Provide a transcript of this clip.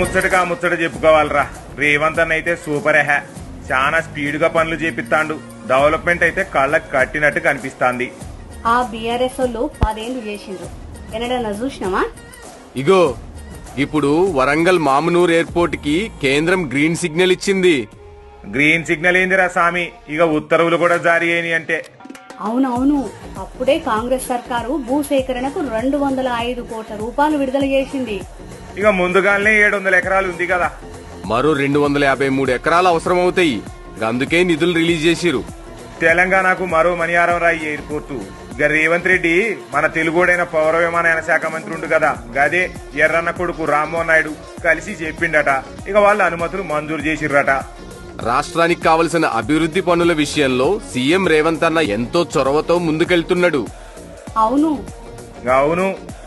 ముచ్చటగా ముచ్చట చెప్పుకోవాలరా. రేవంత్ అన్న అయితే సూపర్ ఎహ, చాలా స్పీడ్ గా పనులు చేపిస్తాండు. డెవలప్మెంట్ అయితే కళ్ళకు కట్టినట్టు కనిపిస్తాంది. ఆ బీఆర్ఎస్ వాళ్ళు 10 ఏళ్ళు చేసిండ్రు, ఎన్నడన్నా చూసినావా? ఇగో ఇప్పుడు వరంగల్ మామునూర్ ఎయిర్పోర్ట్ కి కేంద్రం గ్రీన్ సిగ్నల్ ఇచ్చింది. గ్రీన్ సిగ్నల్ ఏందిరా సామి, ఇక ఉత్తర్వులు కూడా జారీ అయినాయి అంటే. అవునవును, అప్పుడే కాంగ్రెస్ సర్కారు భూసేకరణకు 205 కోట్ల రూపాయలు విడుదల చేసింది. ఇక ముందుగానే 700 ఎకరాలు ఉంది కదా. మరో 253 ఎకరాలు అవసరమవుతాయి. అందుకే నిధులు రిలీజ్ చేసిరు. తెలంగాణకు మరో మణియారం రాయి ఎయిర్పోర్టు. ఇక రేవంత్ రెడ్డి మన తెలుగుడైన పౌర విమానయాన శాఖ మంత్రి ఉండు కదా, గదే ఎర్రన్న కొడుకు రామ్మోహన్ నాయుడు కలిసి చెప్పిండట. ఇక వాళ్ళ అనుమతులు మంజూరు చేసిర్రట. రాష్ట్రానికి కావలసిన అభివృద్ధి పనుల విషయంలో సీఎం రేవంత్ అన్న ఎంతో చొరవతో ముందుకెళ్తున్నాడు. అవును అవును,